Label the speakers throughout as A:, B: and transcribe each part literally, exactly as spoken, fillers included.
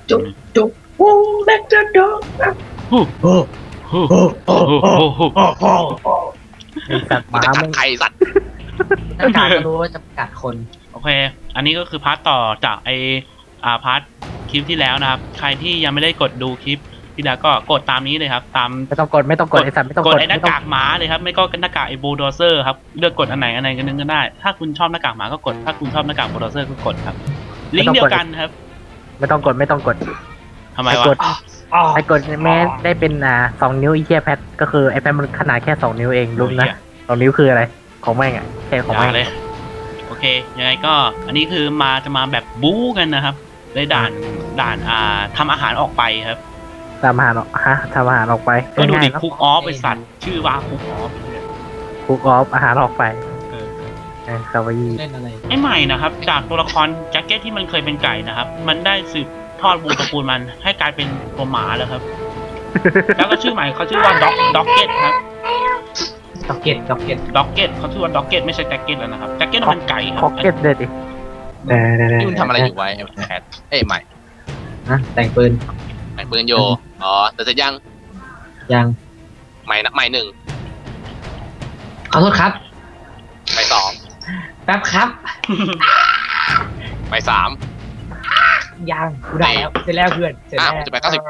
A: จุ๊บจุ๊บโอ้แม็กจะดอกโอ้โอ้โอ้โอ้โอ้โอ้โอ้สัตว์ห
B: มัน
A: มา
B: จะกั
A: มึ
B: ด
A: ง
B: ใครสัตว์
A: หน้ากากก็รู้ว่าจะกัดคน
C: โอเค อันนี้ก็คือพาร์ทต่อจากไออ่าพาร์ทคลิปที่แล้วนะครับใครที่ยังไม่ได้กดดูคลิปที่แล้วก็กดตามนี้เลยครับตาม
A: ไม่ต้องกดไม่ต้องกดไอสัตว์ไม่ต้อง
C: ก
A: ก
C: ด
A: ด
C: ไอ้หน้ากากหมาเลยครับไม่ก็หน้ากากไอ้บูลโดเซอร์ครับเลือกกดอันไหนอันไหนก็นึงก็ได้ถ้าคุณชอบหน้ากากหมาก็กดถ้าคุณชอบหน้ากากบูลโดเซอร์ก็กดครับลิงก์เดียวกันครับ
A: ไม่ต้องกดไม่ต้องกด
C: ทำไม
A: ไอ้
C: วะ
A: กดไอ้กดแม้ได้เป็นอ่าสองนิ้วไอ้เหี้ยแพทก็คือไอ้แพทมันขนาดแค่สองนิ้วเองรู้นะสองนิ้วคืออะไรของแม่งอ่ะแค่ของ
C: อย่า
A: แม่ง
C: เลยโอเคยังไงก็อันนี้คือมาจะมาแบบบู๊กันนะครับในด่านด่านอ่าทำอาหารออกไปครับ
A: ทำอาหารออกฮะทำอาหารออกไป
C: ก็ดูดิ
A: ง่ายๆ
C: คุกออฟไอสัตว์ชื่อว่าคุกออฟ
A: คุกออฟอาหารออกไป
C: เออ
A: เออคาวายี
D: เล่นอะไร
C: ไอ้ใหม่นะครับจากตัวละครแจ็คเก็ตที่มันเคยเป็นไก่นะครับ มันได้สืบทอดวงตระกูลมันให้กลายเป็นตัวหมาแล้วครับ แล้วก็ชื่อใหม่เขาชื่อว่าด็อกด็อกเก็ตครับ
D: ด็อกเก็ตด็อกเก็ต
C: ด็อกเก็ตเขาชื่อว่าด็อกเก็ตไม่ใช่แจ็คเก็ตแล้วนะครับแจ็คเก็ตมันไก่ครั
A: พ็อกเก็ตเด็ดดิ
B: นี่มึงทำอะไรอยู่ไว้ไอ้แคทเอ้ยใหม่
D: นะแต่งปืน
B: ใหม่ปืนโยอ๋อแต่จะยัง
D: ยัง
B: ใหม่นะใหม่หนึ่ง
D: ขอโทษครับ
B: ใหม่สอง
D: แป๊บครับ
B: ใหม่สาม
D: ยังกูได้แล้วเสร็จแล้วเพื่อนเสร็จ
B: อ้า
D: แล้ว ว
B: จะไปเก้าสิบ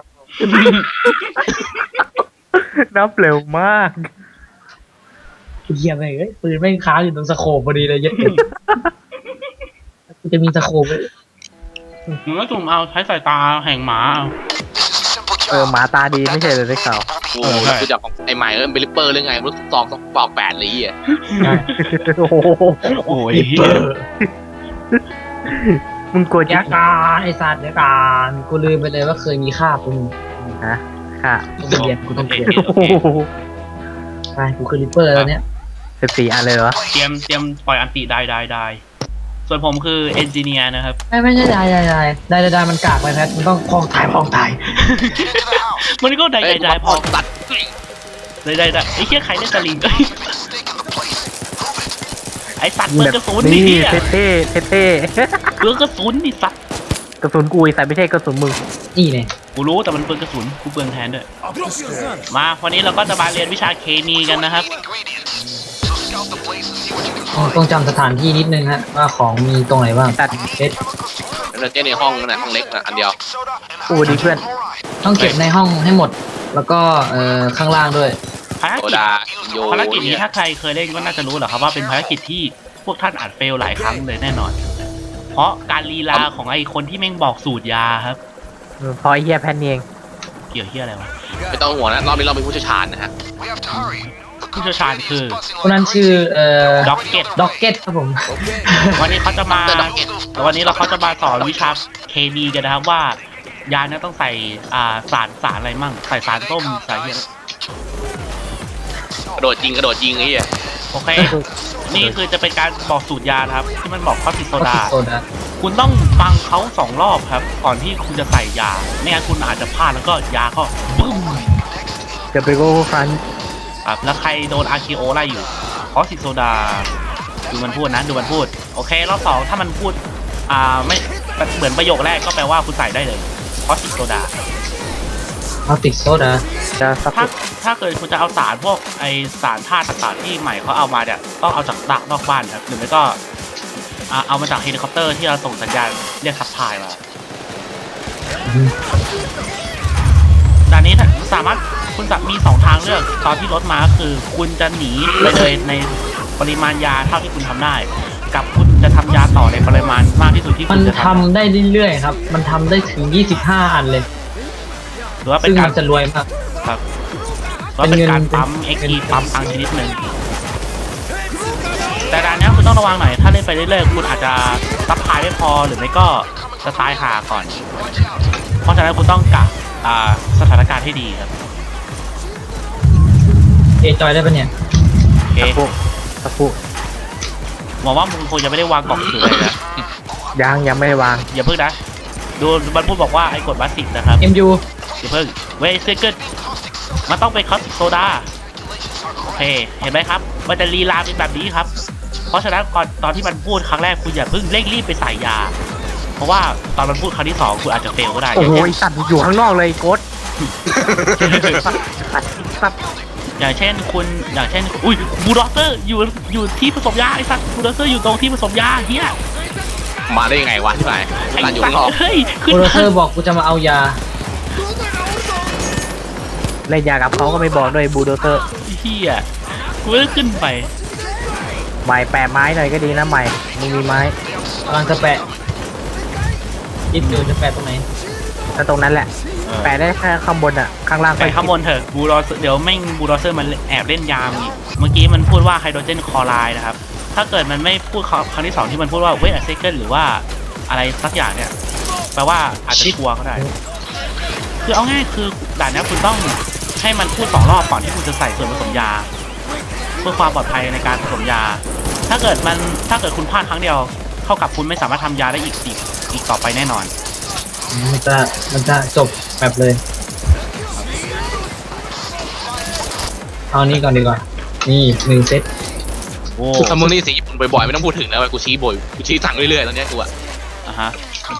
A: นับเร็วมาก
D: เฮียไปเอ้ยปืนไม่งค้างอยู่ตรงสโคปพอดีเลยเยัดกูจะมีสโคปไว้
C: หนูก็จุ่มเอาใช้สายตาแห่งหมาเอา
A: เออหมาตาดีไม่ใช่เลยได้ข่าว
B: โอ้โหแล้วกูจะของไอ้ใหม่เออเป็นลิปเปอร์หรือไงรู้สองต้องปอกแปดเลยอ่ะ
A: โอ้โห
C: โอ้ย
A: มึงกลัว
D: ยา
A: จิ๊ก
D: การไอสัตว์ยาการกูลืมไปเลยว่าเคยมีค่ากู
A: ฮะค่ะ
D: ต้องเรียนกูต้องเรียน
C: โอเค
A: โอ้โห
D: ไปกูคือริปเปอร์แล้วเนี้ย
A: สิบสี่อันเลยเหรอ
C: เตรียมเตรียมปล่อยอันติได้ได้ได้ส่วนผมคือเอนจิเนียร์นะครับ
D: ไม่ไม่ใช่ได้ได้ได้ได้ได้ได้มันกากไปแพทมันต้องพองถ่ายพองถ่าย
C: มันก็ได้
B: เอ้
C: ได้
B: ย
C: ได้พ
B: พ
C: อ
B: อตัด
C: ได้ได้ได้ไอ้เหี้ยใครเล่นสลิงเอ้ยไอ้สัตว์เปลืองกระสุนนี่
A: นี่
C: เหี้ย
A: เท่เท่เท่เท่
C: เปลืองกระสุนนี่สัตว์
A: กระสุนกูไอ้สายไม่ใช่กระสุนมึง
D: นี่เนี่ย
C: กูรู้แต่มันเปลืองกระสุนกูเปลืองแทนด้วยมาวันนี้เราก็จะมาเรียนวิชาเคมีกันนะครับ
D: ต้องจำสถานที่นิดนึงฮะว่าของมีตรงไหนบ้าง
A: ตัด
D: เช็ด
B: แล้วเจ๊ในห้องนั่นแหละห้องเล็กนะอันเดียว
A: กูดีเพื่อน
D: ต้องเก็บในห้องให้หมด แล้วก็เอ่อข้างล่างด้วย
C: ภาร
B: โซ
C: กิจ
B: ดาโย
C: ภารกิจนี้ถ้าใครเคยเล่นก็น่าจะรู้แหละครับว่าเป็นภารกิจที่พวกท่านอาจเฟลหลายครั้งเลยแน่นอน เพราะการลีลาของไอ้คนที่แม่งบอกสูตรยาครับ
A: พอไอ้เฮียแพนเอง
C: เกี่ยวเฮียอะไรวะ
B: ไม่ต้องห่วงนะรอบนี้เราเป็นผู้เชี่ยวชาญนะฮะ
C: ผู้เชี่ยวชาญคือ
D: คนนั้นชื่อเอ่อ
C: ด็อกเก็ต
D: ด็อกเก็ตครับผม
C: วันนี้เขาจะมา
B: ดรด็อกเก็ต
C: วันนี้เราเขาจะมาสอนวิชาเคมีกันนะครับว่ายาเนี่ยต้องใส่อ่าสารสารอะไรมั่งใส่สารส้มใส่เฮีย
B: กระโดดยิงกระโดดยิงไอ้เหี้ย
C: โอเค นี่คือจะเป็นการบอกสูตรยานะครับ ที่มันบอกคอติโซ
D: ก็
C: ดา
D: ติดโซดา
C: คุณต้องฟังเขาสองรอบครับ ก่อนที่คุณจะใส่ยา ไม่งั้นคุณอาจจะพลาดแล้วก็ยาก็บึ้ม
A: จะไปโก้ฟัน
C: ครับแล้วใครโดนอาร์คิโอไล่อยู่คอติโซดา ดูมันพูดนะ ดูมันพูด โอเค รอบสองถ้ามันพูด อ่า ไม่ เหมือนประโยคแรกก็แปลว่าคุณใส่ได้เลยคอติโซดา
D: เอาติดโซดา
A: จะสัก
C: ถ้า ถ้าเกิดคุณจะเอาสารพวกไอสารธาตุต่างๆที่ใหม่เขาเอามาเนี่ย ต้องเอาจากดักนอกบ้านครับ หรือไม่ก็ อ่า เอามาจากเฮลิคอปเตอร์ที่เราส่งสัญญาณเรียกซัพพลายมาด่านนี้สามารถคุณจะมีสองทางเลือกตอนที่รถมาคือ คุณจะหนีไปเลยในปริมาณยาเท่าที่คุณทำได้ กับคุณจะทำยาต่อในปริมาณมากที่สุดที่
D: มั
C: คุ
D: น
C: ณจะ
D: ทำ
C: ทำ
D: ได้เรื่อยๆครับ มันทำได้ถึงยี่สิบห้าอันเลย
C: หรือว่าเป็น
D: ซึ่ง
C: กา
D: มั
C: ร
D: นจะรวยมาก
C: ครับหรือว่าเป็นการปั๊ม
D: เป็
C: เอ็
D: น
C: ก
D: เงิน
C: ซ์ปั๊มตังชนิดหนึ่งแต่ด่านนี้คุณต้องระวังหน่อยถ้าเล่นไปเรื่อยๆคุณอาจจะซัพพลายไม่พอหรือไม่ก็จะตายหาก่อน เพราะฉะนั้นคุณต้องกะอ่าสถานการณ์ให้ดีครับ
D: เอจอยได้ปะเนี่ย
C: โอเค
A: สักผู้สักผู้
C: หวังว่ามึงคงจะไม่ได้วางกล่องถือเลยนะ
A: ยังยังไม่ได้วาง
C: อย่าเพิ่งนะ ดูมันพูดบอกว่าไอ้กฎบาสิกนะครับ
D: เอ็มยู
C: อย่าเพิ่งเวสเซกิลมันต้องเป็นคอสติกโซดาโอเคเห็นไหมครับ มันจะลีลาเป็นแบบนี้ครับ เพราะฉะนั้นก่อนตอนที่มันพูดครั้งแรกคุณอย่าเพิ่งเร่งรีบไปใส่ยาเพราะว่าตอนมันพูดครั้งที่สองคุณอาจจะเฟลก็ได้
A: โอ้โหไอ้สัตว์อยู่ข้างนอกเลยโกดสัตว์
C: อย่างเช่นคุณอย่างเช่นอุ้ยบูลด็อกเตอร์อยู่อยู่ที่ผสมยาไอ้สัตว์บูลด็อกเตอร์อยู่ตรงที่ผสมยาเฮีย
B: มาได้ยังไงวะที่ไหน
C: ไอ้
B: ร้านอยู่
C: สัต
B: ข้างนอก
C: ว์เฮ้ยขึ้
D: โป
C: น
D: รดิวเซอร์บอกกูจะมาเอายา
A: เล่นยากับเขาก็ไม่บอกด้วยบูลโดเตอร์
C: เฮียกูไม่ได้ขึ้นไป
A: ใหม่แปะไม้หน่อยก็ดีนะใหม่มึงมีไม้
D: กำลังจะแปะคิดอยู่จะแปะตรงไหน
A: ถ้าตรงนั้นแหละ แปะได้แค่ข้างบนอ่ะข้างล่าง
C: ไปข้างบนเถอะบูลเดี๋ยวแม่งบูลเซอร์มันแอบเล่นยามอีกเมื่อกี้มันพูดว่าไฮโดรเจนคลอไรด์นะครับถ้าเกิดมันไม่พูดครั้งที่สองที่มันพูดว่าเวทอะเซเกิลหรือว่าอะไรสักอย่างเนี่ยแปลว่าอาจจะชัวร์ก็ได้คือเอาง่ายคือด่านนี้คุณต้องให้มันพูดสองรอบก่อนที่คุณจะใส่ส่วนผสมยาเพื่อความปลอดภัยในการผสมยา ถ้าเกิดมันถ้าเกิดคุณพลาดครั้งเดียวเท่ากับคุณไม่สามารถทำยาได้อีกอีกอีกต่อไปแน่นอน
D: มันจะมันจะจบแบบเลย เอานี่ก่อนดีกว่า นี่หนึ่งเซต
C: โอ้
B: ถ้ามึงนี่สีญี่ปุ่นบ่อยๆไม่ต้องพูดถึงนะเว้ยกูชี้บ่อยกูชี้สั่งเรื่อยๆตอนเนี้ยกูอะ
C: อ่ะฮะ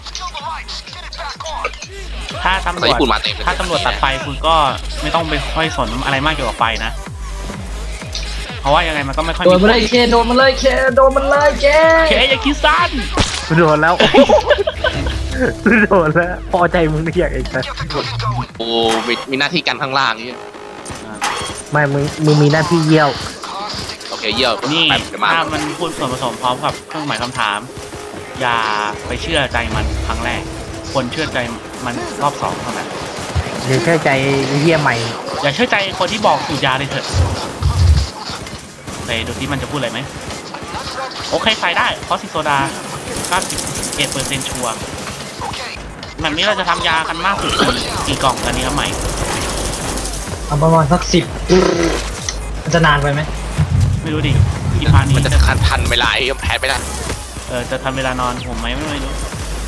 C: ถ้าตำร
B: ภาษาว
C: จ
B: ญี่ปุ่นมาเต็มเลย
C: ถ้าตำรวจตัดไฟคุณก็ไม่ต้องไปค่อยสนอะไรมากเกี่ยวกับไฟนะ เพราะว่ายังไงมันก็ไม่ค่อย
D: โด
C: มี
D: นมันเลยเคโดนมันเลยเคโดนมันเลยเค
C: เคอย่าคิดสั้น
A: กูโดนแล้วกูโดนแล้วพอใจมึงเรียกไอ้สัส
B: กูมีมีหน้าที่กันข้างล่างนี่
A: ไม่มึงมึงมีหน้าที่เยี่ยว
B: โอเคเยี่ยม
C: นี่
B: แป๊บเดี๋ยวมา
C: ถ้ามันพูดส่วนผสมพร้อมกับเครื่องหมายคำถาม อย่าไปเชื่อใจมันครั้งแรกควรเชื่อใจมันรอบสองเท่านั้น
A: เดี๋ยวเชื่อใจไอ้เยี่ยใหม่
C: อย่าเชื่อใจคนที่บอกสูตรยาเลยเถอะไปดูที่มันจะพูดอะไรไหมโอเคใส่ได้เพราะซิโซดาเก้าสิบเอ็ดเปอร์เซ็นต์ชัวร์แบบนี้เราจะทำยากันมากสุดกี่กล่องกันนี้ครับใหม่
D: เอาประมาณสักสิบมันจะนานไปไหม
C: ไม่รู้ดิอีพานี้
B: มันจะทันทันเวลาไอ้แพ้ไม่ได้
C: เออจะทันเวลานอนผมไหมไม่รู้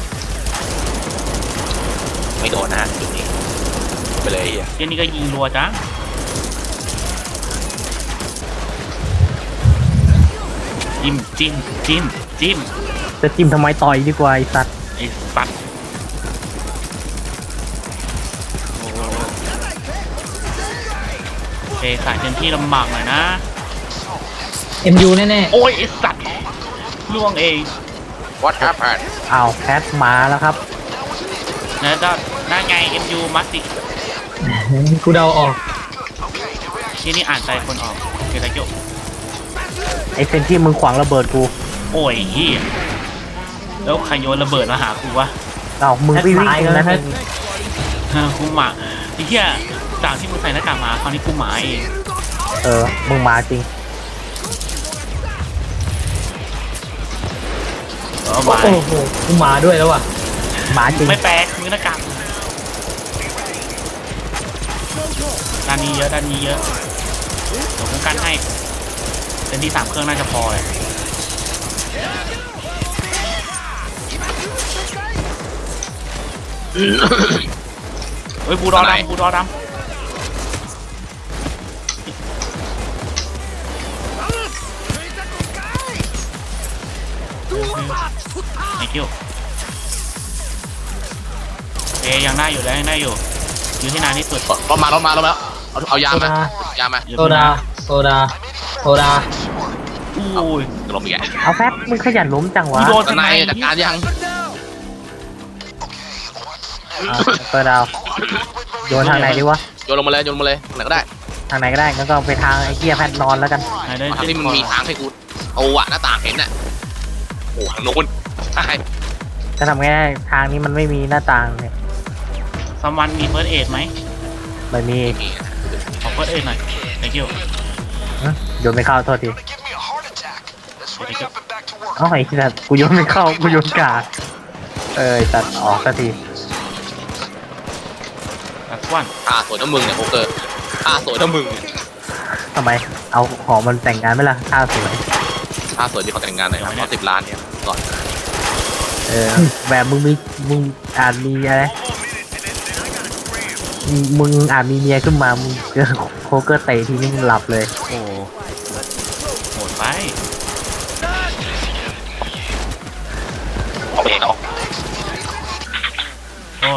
B: ไม่โดนนะฮะจุดนี้ไปเลยไอ้เหี้ย
C: เดี๋ยวนี้ก็ยิงรัวจ้าจิ้มจิ้มจิ้มจิ้ม
A: จะจิ้มทำไมต่อยดีกว่าไอ้สัตว์
C: ไอ้สัตว์โอ้โอเคใส่เต็มที่ลำบากหน่อยนะ
D: เอ็มยูแน่
C: โอ้ยไอ้สัตว์ล่วงเอง
B: What happened
A: อ้าวแพทมาแล้วครับ
C: แล้วก็นั่นไง เอ็ม ยู มัสติ
D: ๆกูเดาออก
C: ที่นี่อ่านใจคนออกเกตาเกียว
A: ไอ้เซนที่มึงขวางระเบิดกู
C: โอ้ยเฮียแล้วใครโยนระเบิดมาหากูวะ
A: อ้าวมึงวิ่งวิ่งตรงนั้นเอง
C: ฮะกูหมาไอ้เหี้ยจากที่มึงใส่หน้ากากมาคราวนี้กูหมาเอง
A: เออมึงมาจริง
C: เออหมา
D: โอ้โหกูมาด้วยแล้วว่ะ
A: มาจริง
C: ไม่แปลกมึงหน้ากากด้านนี้เยอะด้านนี้เยอะเดี๋ยวกูกันให้เป็นที่สามเครื่องน่าจะพอเลยเฮ้ยบูดอดำบูดอดำไอ้คิวเอ้ยังได้อยู่แล้วยังได้อยู่อยู่ที่นานที่สุด
B: รถมารถมารถมาเอาเอายามา ยามา
C: อยู่
D: โซ
C: ที่
D: ดา
C: นาน
D: โซดาโซดา
C: อุ้ย
B: ลงอีกแล้ว
A: เอาแพทมึงขยันล้มจังวะ
C: กูโดน
B: ตอนไหนจัดการยัง
A: อ่ะเปิดดาวโยนทางไหนดีวะ
B: โยนลงมาเลยโยนลงมาเลยไหนก็ได้
A: ทางไหนก็ได้งั้นก็ไปทางไอ้เกียแพทนอนแล้วกัน
C: ไหนได้
B: ทางที่มันมีทางให้กูเอาอะหน้าต่างเห็นน่ะโอ้ทางโน้นใช่
A: จะทำไงได้ทางนี้มันไม่มีหน้าต่างเนี่ย
C: ซัมวันมีเฟิร์สเอดไหม
A: ไม่มี
B: มี
C: ขอเฟิร์สเอดหน่อย thank you
A: ฮะโยนไม่เข้าโทษที
C: thank you
A: เอ้าไอ้สัตว์กูโยนไม่เข้ากูโยนกาดเออไอ้สัตว์ออกสักที
C: that's one
B: อ่าสวยน้ำมึงเนี่ยโอเกอร์อ่าสวยน้ำมึง
A: ทำไมเอาหอมันแต่งงานไหมล่ะท่าสวย
B: อ่าสวยที่เขาแต่งงานหน่อยครับเขาสิบล้านเนี่ยก่อน
A: เออแบบมึงมีมึงอาจมีอะไรมึงอาจมีเมียขึ้นมามึงเจอโคเกอร์เตะทีนี้มึงหลับเลย
C: โอ้โหดไป
B: เอาไปเองเอา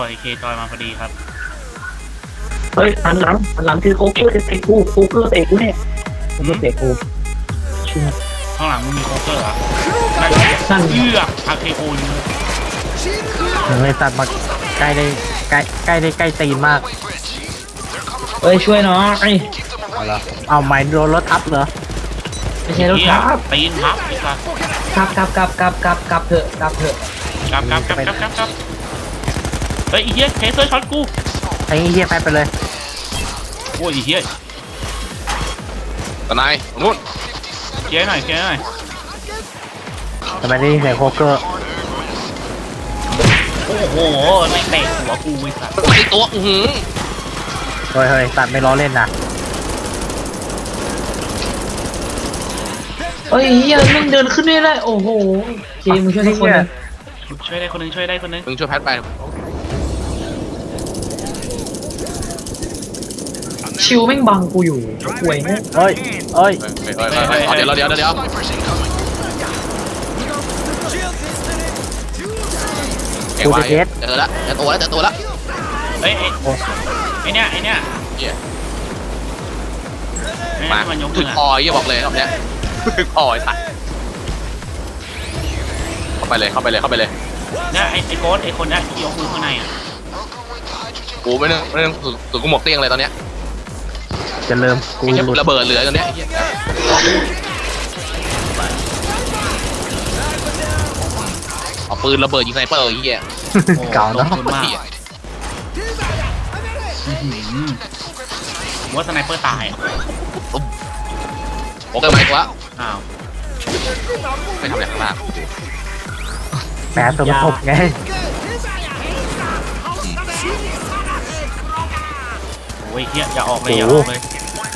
C: ไอเคจอยมาพอดีครับ
A: เฮ้ยหันหลังหันหลังคือโคเกอร์เตะกูโคเกอร์เตะกูเนี่ยโคเกอร์เตะกู
C: ข้างหลังมึงมีโคเกอร์เหรอนั่น
D: นั่น
C: เอื้ออาเคโอยิง
A: เฮ้ยสัตว์มาใกล้ได้ใกล้ใกล้ได้ใกล้ตีนมาก
D: เอ้ยช่วยหน่อย
A: เอาละเอาไม้โดนรถทับเหรอ
D: ไม่ใช่รถทับ
C: ตีนพับอีกครับ
D: กลับกลับกลับกลับกลับกลับเถอะกลับเถอะ
C: กลับกลับกลับกลับกลับกลับเฮ้ยไอ้เหี้ยเทเซอร์ช็อตกู
A: ไอ้เหี้ยไปไปเลย
C: โอ้ยไอ้เหี้ย
B: ตะนายตรงนู้น
C: เคลียร์หน่อยเคลียร์หน่อย
A: ทำไมได้ยินเสียงโคเกอร์
C: โอ้โหไม่เตะหัวกูไอ้สัส
B: ไม่ตัวอือหือ
A: เฮ้ยเฮ้ยสัตว์ไม่ล้อเล่นนะ
D: เฮ้ยเฮียมึงเดินขึ้นไม่ได้โอ้โหเคมึงช่วยทุกคนเลย
C: ช่วยได้คนหนึงช่วยได้คนหนึง
B: มึงช่วยแพทไป
D: ชิวแม่งบังกูอยู่ป่วยเนี่ย
A: เฮ้ยเฮ้ย
B: เฮ้ยเฮ้ยเฮ้ยเฮ้ยเอาเดี๋ยวเดี๋ยวเดี๋ยวเดี๋ยวเก่งว่ะเจอละเจอตัวแล้วเจอตัวแล้ว
C: เฮ้ยไอ้
A: โอ้
C: ไอ้เนี่ยไอ้เนี่ย
B: เหี้ย
C: ไอ้
B: มา
C: เนี่ยมันยก
B: ถึ
C: มื
B: ง
C: อ
B: คอเหี้ยบอกเลยรอบเนี้ยถึงคอไอ้สัสเข้าไปเลยเข้าไปเลยเข้าไปเลย
C: เนี่ยไอ้ไอ้โค้ดไอ้คนเนี้ยที่ยกมือข้างในอ่ะ
B: กูไม่นึกไม่นึกถึงกูหมกเตี้ยงเลยตอนเนี้ย
A: จะเริ่มกู
B: ไอ้เหี้ยระเบิดเหลือตอนเนี้ยไอ้เหี้ยเอาปืนระเบิดยิงไซเปอร์ไอ้เหี้ย
C: โอ้
A: เก่าเนาะ
C: ลงทุนมากอื้อหือผมว่าสไนเปอร์ตายอ่ะ
B: โอเคไหมกูว่า
C: อ้าว
B: ไม่ทำอะไรข้างล่าง
A: แหมสมทบไง
C: โอ้ยเฮียอย่าออกเลยอย่าออกเลย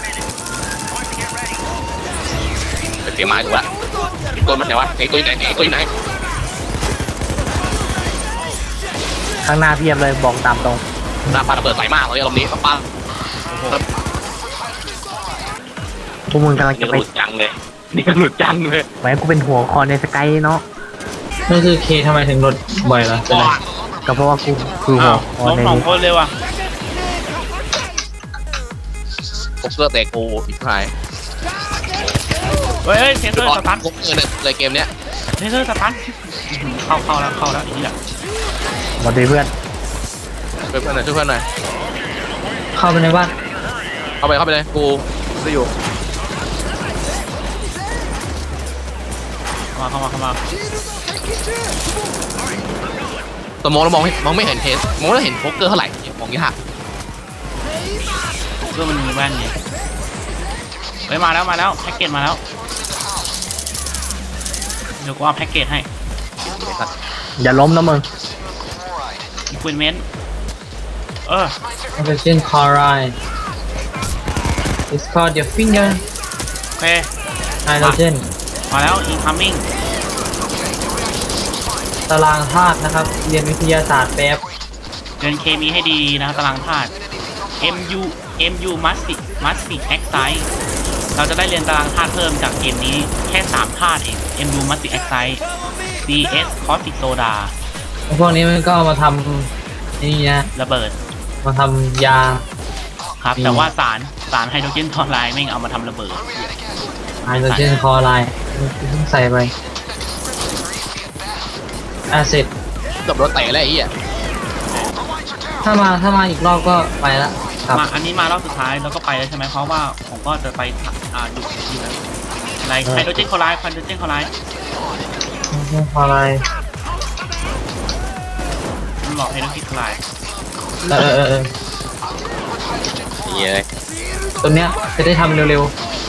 B: ไปเตรียมไม้ถูกละตัวมันไหนวะไอ้ตัวไหนไอ้ตัวไหน
A: ข้างหน้าเพียบเลยบอกตามตรง
B: หน้าปลาระเบิดใส่มากเลยรอบนี้ปลา
C: โอ้โห
A: พวกมึงกำลัง
B: นี่
A: จะ
B: ก็
A: ไป
B: หลุดจังเลยนี่ก็หลุดจังเลย
A: แหมกูเป็นหัวคอในสกายเนาะ
D: นั่นคือเคทำไมถึงรถบ่อยล่ะเป็นไร
A: ก็เพราะว่ากูคือหั
C: อ้าว ว
A: คอ
C: ล้ม
A: ใน
C: สอง
A: นี้
C: คนเลยว่ะ
B: พวกเสื้อเตะกูอีกท้าย
C: เฮ้ยเฮ้ยเทเซอร์สตัน
B: พวกเงินเลยเกมเนี้ย
C: เทเซอร์สตันอื้อหือเข้าเข้าแล้วเข้าแล้วอีกอ่ะ
A: หมดดีเพื่อน
B: ช่วยเพื่อนหน่อยช่วยเพื่อนหน่อย
D: เข้าไปในบ้าน
B: เข้าไปเข้าไปเลยกูจะอยู่
C: เข้ามาเข้ามาเข้ามา
B: สมองเรามองไม่มองไม่เห็นเทสมองเราเห็นโป๊กเกอร์เท่าไหร่มองยาก
C: เพื่อมันมีแว่นไงเฮ้ยมาแล้วมาแล้วแพ็กเกจมาแล้วเดี๋ยวกูเอาแพ็กเกจให้
A: อย่าล้มนะมึง
C: อีควินเมนต์เออ
D: ออกซิเจนคลอไรด์ it's called your finger
C: โอเค
D: hydrogen
C: มาแล้ว incoming
D: ตารางธาตุนะครับ เรียนวิทยาศาสตร์แป๊บ
C: เรียนเคมีให้ดีนะครับตารางธาตุ mu mu must must excite เราจะได้เรียนตารางธาตุเพิ่มจากเกมนี้แค่สามธาตุเอง mu must excite cs caustic soda
D: พวกนี้มันก็เอามาทำนี่นะ
C: ระเบิด
D: มาทำยา
C: ครับ
D: อืม
C: แต่ว่าสารสารไฮโดรเจนคลอไรด์ไม่งเอามาทำระเบิด
D: ไฮโดรเจนคลอไรด์เพิ่งใส่ไปอาเซด
B: เกือบโดนเตะแล้วไอ้เหี้ย
D: ถ้ามาถ้ามาอีกรอบก็ไปละครับ
C: มาอันนี้มารอบสุดท้ายแล้วก็ไปแล้วใช่ไหมเพราะว่าผมก็จะไปอ่าอยู่อยู่อะไรไฮโดรเจนคลอไรด์ไฮโดรเจนคลอไรด์
D: คลอไรด์
C: มันบอกไฮโดรเจนคลอไรด์
D: เออเออเออ
B: นี่เลย
D: ตัวเนี้ยจะได้ทำเร็ว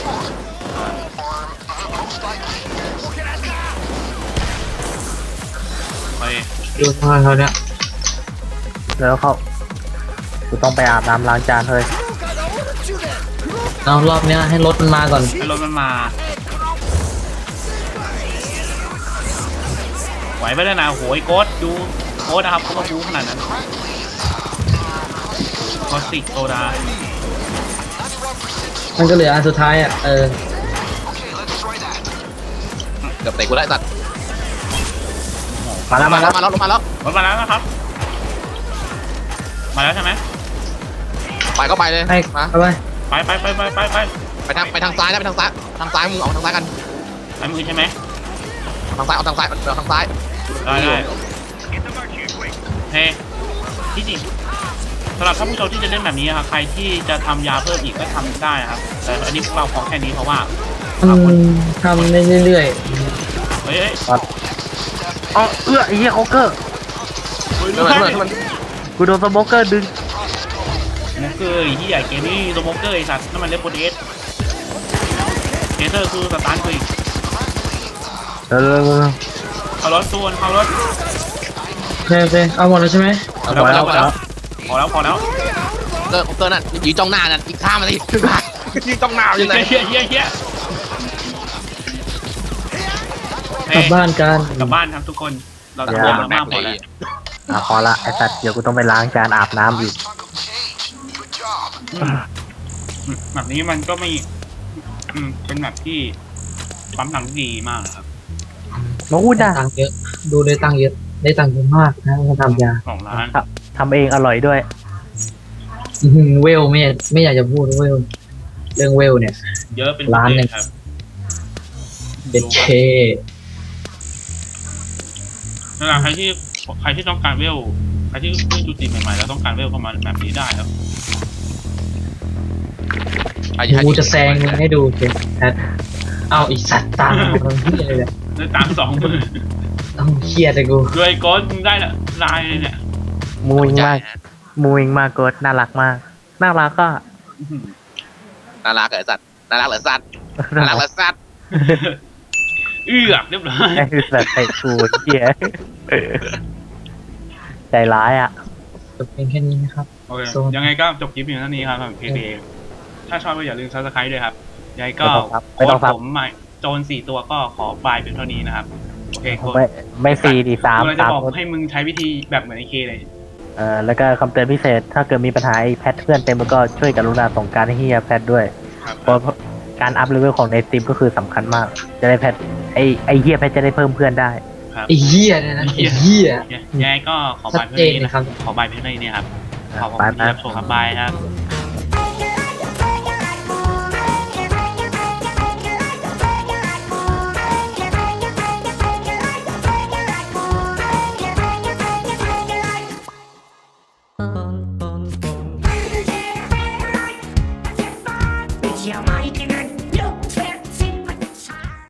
C: ไป
D: ๆดูทางเขาเนี้ย
A: แล้วเขากูต้องไปอาบน้ำล้างจานเฮ้ย
D: เอารอบเนี้ยให้รถมันมาก่อน
C: ให้รถมันมาไหวไปแล้วนะโหยโค้ดดูโค้ดนะครับเขาก็บู๊ขนาดนั้นคอสติกโซดา
D: มันก็เหลืออันสุดท้ายอ่ะเออ
B: เกือบเตะกูได้สัตว์
A: มาแล้ว
B: มา
A: มา
B: แล้
A: แล้ว ว
B: มาแล้วมาแล้ว
C: รถมาแล้วนะครับมาแล้วใช่ไหม
B: ไปก็ไปเลย
D: ให้
B: มา
D: เอาไป
C: ไปไปไปไปไปไป
B: ไปทางไปทางซ้ายนะไปทางซ้ายทางซ้ายมึงเอาทางซ้ายกัน
C: ไปมือใช่ไหม
B: ทางซ้ายเอาทางซ้ายเอาทางซ้าย
C: ได้ได้เฮ้ที่จริงสำหรับท่านผู้ชมที่จะเล่นแบบนี้ครับใครที่จะทำยาเพิ่มอีกก็ทำได้นะครับแต่อันนี้พวกเราพอแค่นี้เพราะว่า
D: ทำทำได้เรื่อย
C: เฮ้ยเฮ้ย
A: อ๋อเอื้อไอ้เหี้ยโคเกอร์
C: เฮ้ย
B: เพื่อนเพื่อนเพื่อน
A: กูโดนสโมเกอร์ดึง
C: สโมเกอร์ที่ใหญ่เกมนี้สโมเกอร์ไอ้สัตว์นั่นมันเลปโปเดสเทเซอร์คือสตาร์ทคือ
A: เออ
C: เอารถตัวนเอารถ
D: ๆโอเคโอเคเอาหมดแล้วใช่ไหม
B: เอาแล้วเอาแล้ว
C: พอแล้วพอแล้ว
B: เกิร์เกิร์นั่นยืนจ้องหน้านั่นอีกข้ามมาสิยืนจ้องหน้าอยู่ไหน
C: เฮียเฮียเฮีย
D: กลับบ้านกัน
C: กลับบ้านครับทุกคนเราทำงานมามากพอแล้ว
A: อ่ะพอละไอ้สัตว์เดี๋ยวกูต้องไปล้างจานอาบน้ำอีก
C: แบบนี้มันก็ไม่อืมเป็นแบบที่ปั๊มหลังที่ดีมากนะครับ
A: มาพูด
D: ได้
A: นะ
D: ตังค์เยอะ ดูได้ตังค์เยอะ ได้ตังค์เยอะมากนะมาทำยา
C: ของร้าน
A: ทำเองอร่อยด้วย
D: อื้อหือเวลไม่อยากไม่อยากจะพูดเวลเรื่องเวลเนี่ย
C: เยอะเป็น
D: ร้านหนึ่ง
C: ครับ
D: เด็ดเค
C: เวลาใครที่ใครที่ต้องการเวลใครที่เพิ่งดูตีใหม่ๆแล้วต้องการเวลประมาณแบบนี้ได้ครับ
D: กูจะแซงมึงให้ดูเจแพทเอาอีสัตว์ตามมาทำเฮียเลยเนี่ย
C: ได้ตามสองมือ
D: ต้องเครียดเลยกู
C: ด้วยก้อนมึงได้ละลายเลยเนี่ย
A: มูอิงมากมูอิงมากกดน่ารักมากน่ารักก็
C: อื้อหือ
B: น่ารักเหรอสัตว์น่ารักเหรอสัตว์น่ารักเหรอสัตว์
C: เอื้อกเรียบร้อย
A: ไอ้สัตว์ไอ้กูเหี้ยใจร้ายอ่ะ
D: จบเพียงแค่นี้นะครับ
C: โอเค
D: โซน
C: ยังไงก็จบคลิปเพียงเท่านี้ครับสำหรับเพจเองถ้าชอบก็อย่าลืมซับสไครต์ด้วยครับยังไงก็
A: ไม่ต้องครับไม่
C: โค้
A: ต้อ
C: ด
A: งครับ
C: ผมใหม่โจนสี่ตัวก็ขอบายเป็นเท่านี้นะครับโอเคโค้ด
A: ไม่ไม่สี่ดีสาม
C: เราจะ
A: สาม
C: บอกให้มึงใช้วิธีแบบเหมือนไอเคเลย
A: เออแล้วก็คำเตือนพิเศษ ถ้าเกิดมีปัญหาไอ้แพทเพื่อนเต็มแล้วก็ช่วยกรุณาส่งการให้เฮียแพทด้วย
C: ครับ
A: เพราะการอัพเลเวลของในสตรีมก็คือสำคัญมาก จะได้แพทไอไอเฮียแพทจะได้เพิ่มเพื่อนได้
C: ครับ
D: ไอ้เฮียเนี่ยนะไอ้เฮีย
C: ยังไงก็ขอบายเพื่อนนี้นะครับขอบายเพื่อนนี้นะครับขอบคุณที่รับชมครับบายครับ